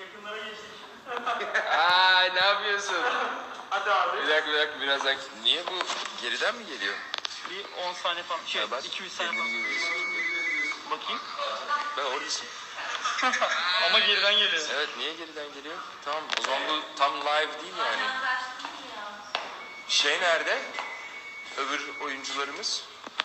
Yakınlara geçtik. Aa, ne yapıyorsun? Hadi abi. Bir dakika birazdan. Niye bu geriden mi geliyor? Bir 10 saniye falan. Ha, bak, 200 saniye kendini falan. görüyorsun. Bakayım. Ben oradasın. Ama geriden geliyor. Evet, niye geriden geliyor? Tamam, o zaman bu tam live değil yani. Şey nerede? Öbür oyuncularımız?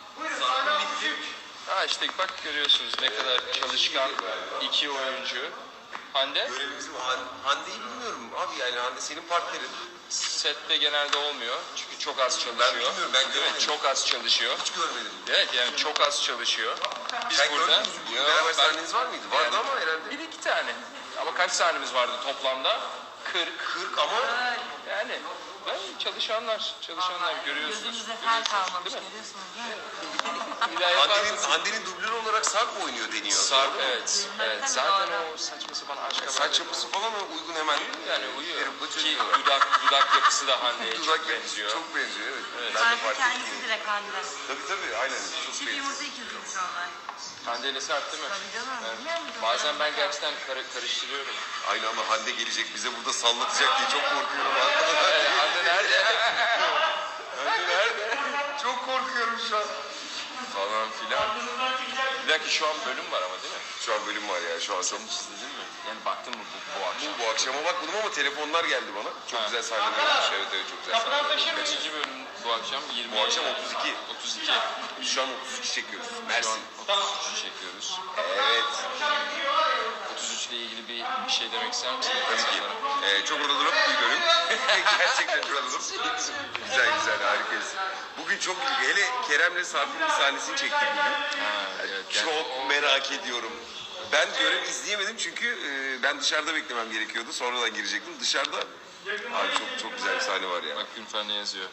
Ha işte bak görüyorsunuz ne kadar çalışkan iki oyuncu. Hande? Görevimiz var. Hande'yi bilmiyorum abi, yani Hande senin partnerin. Sette genelde olmuyor çünkü çok az çalışıyor. Ben bilmiyorum, ben görmedim. Evet, çok az çalışıyor. Hiç görmedim. Evet yani çok az çalışıyor. Biz Sen burada... gördün mü? Bizim beraber sahneniz var mıydı? Vardı ama herhalde. Bir iki tane. Ama kaç sahnemiz vardı toplamda? 40. 40 ama Yani çalışanlar görüyorsunuz. Gözünüzde fel kalmamış, Değil mi? görüyorsunuz değil mi? Bir daha yaparsınız. Hande'nin dublörü olarak Sarp mı oynuyor deniyor. Sarp, evet. Zaten o saçma sapan aşk haberleri. Saç yapısı falan uygun hemen. Yani uyuyor. Yarımda Ki çözüyorlar. dudak yapısı da Hande'ye Dudak çok yapısı benziyor. çok benziyor, evet. Ben de Sanki fark kendisi ettim. direkt Hande. Tabii aynen. Çok Çift benziyor. yumurta ikiziymiş onlar. Hande ile Sarp değil mi? Tabii canım, Evet. bilmiyor musun? Bazen ben gerçekten karıştırıyorum. Aynı ama Hande gelecek bize burada sallatacak diye çok korkuyorum. Hande nerede? Hande nerede? Çok korkuyorum şu an. Falan filan. Bir dakika şu an bölüm var ama değil mi? Şu an bölüm var ya, şu an çok. Sen hiç izledin mi? Yani baktın mı bu akşam? Bu akşama bakmadım ama telefonlar geldi bana. Çok Ha. güzel sahneler olmuş. Evet çok güzel Kapıdan sahneler. taşır mıyız? Kaçıncı bölüm bu akşam? 20. Bu akşam 32. 32. Biz şu an 33 çekiyoruz. Şu an Mersin. 33'ü çekiyoruz. Evet. 33 ile ilgili bir şey demek ister misin? Tabii ki. Çok oralarım bir bölüm. Gerçekten çok oralarım. Güzel harikayız. Bugün çok ilginç. Hele Kerem'le Sarp'ın bir sahnesini çektik bugün. Evet, Çok merak ediyorum. Ben görev izleyemedim çünkü ben dışarıda beklemem gerekiyordu. Sonradan girecektim. Dışarıda abi çok güzel bir sahne var ya. Bak Günfer ne yazıyor?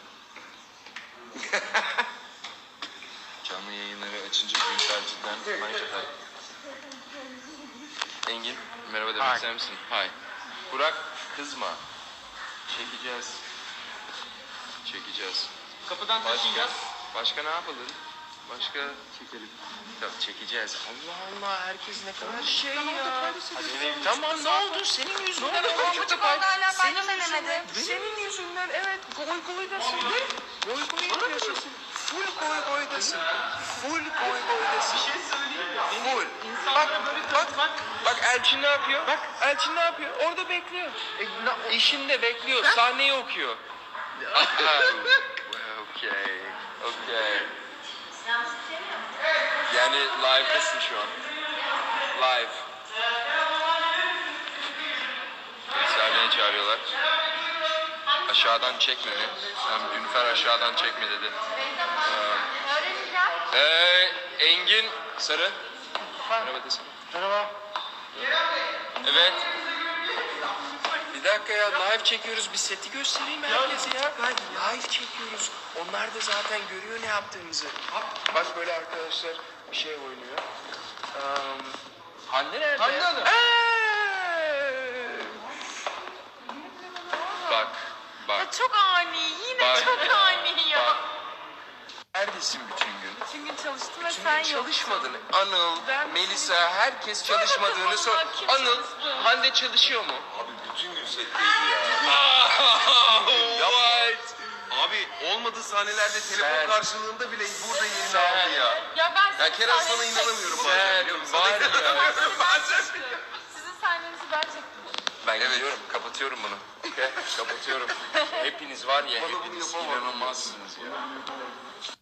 Canlı yayınları açınca Günfer cidden manşetler. Engin, merhaba demek ister misin? Hay. Burak, kızma. Çekeceğiz. Kapıdan taşıyacağız. Başka ne yapalım? Başka çekelim. Tamam, çekeceğiz. Allah Allah, herkes ne kadar şey ya. Tamam, ne oldu? Senin yüzünden oldu. Çocuk orada hala ben denemedim. Senin yüzünden evet. Goydasın. Goy yapıyorsun. Full goydasın. Full goydasın. Bir şey söyleyeyim mi? Full. Bak Elçin ne yapıyor? Bak Elçin ne yapıyor? Orada bekliyor. İşinde bekliyor. Sahneyi okuyor. Okay. Yani live'dasın şu an. Live. Sahneye çağırıyorlar. Aşağıdan çekme mi? Günfer aşağıdan çekme dedi. Engin Sarı. Merhaba desene. Merhaba. Evet. Bir dakika ya, live çekiyoruz. Bir seti göstereyim herkese ya. Live çekiyoruz. Onlar da zaten görüyor ne yaptığımızı. Bak böyle arkadaşlar bir şey oynuyor. Hande nerede? Hande Hanım. Bak. Ya çok ani, yine Bak çok ya, ani ya. bak. Neredesin bütün gün? Bütün gün çalıştım ve Bütün sen gün yoksun. çalışmadın. Anıl, Ben- Melisa, herkes çalışmadığını sor. vallahi kim Anıl, çalıştı? Hande çalışıyor mu? Abi bütün gün setteydi ya. What? Abi olmadığı sahnelerde telefon Sen- karşılığında bile burada yerini Sen- aldı ya. Ya ben Ya sizin Kerem sana sahnenizi inanamıyorum çektim. bazen biliyor musun? Var ya. Sizin sahnenizi ben çektim. Ben gidiyorum, kapatıyorum bunu. Okay, kapatıyorum. Hepiniz var ya, Bana bunu hepiniz yapamam. inanılmazsınız ya.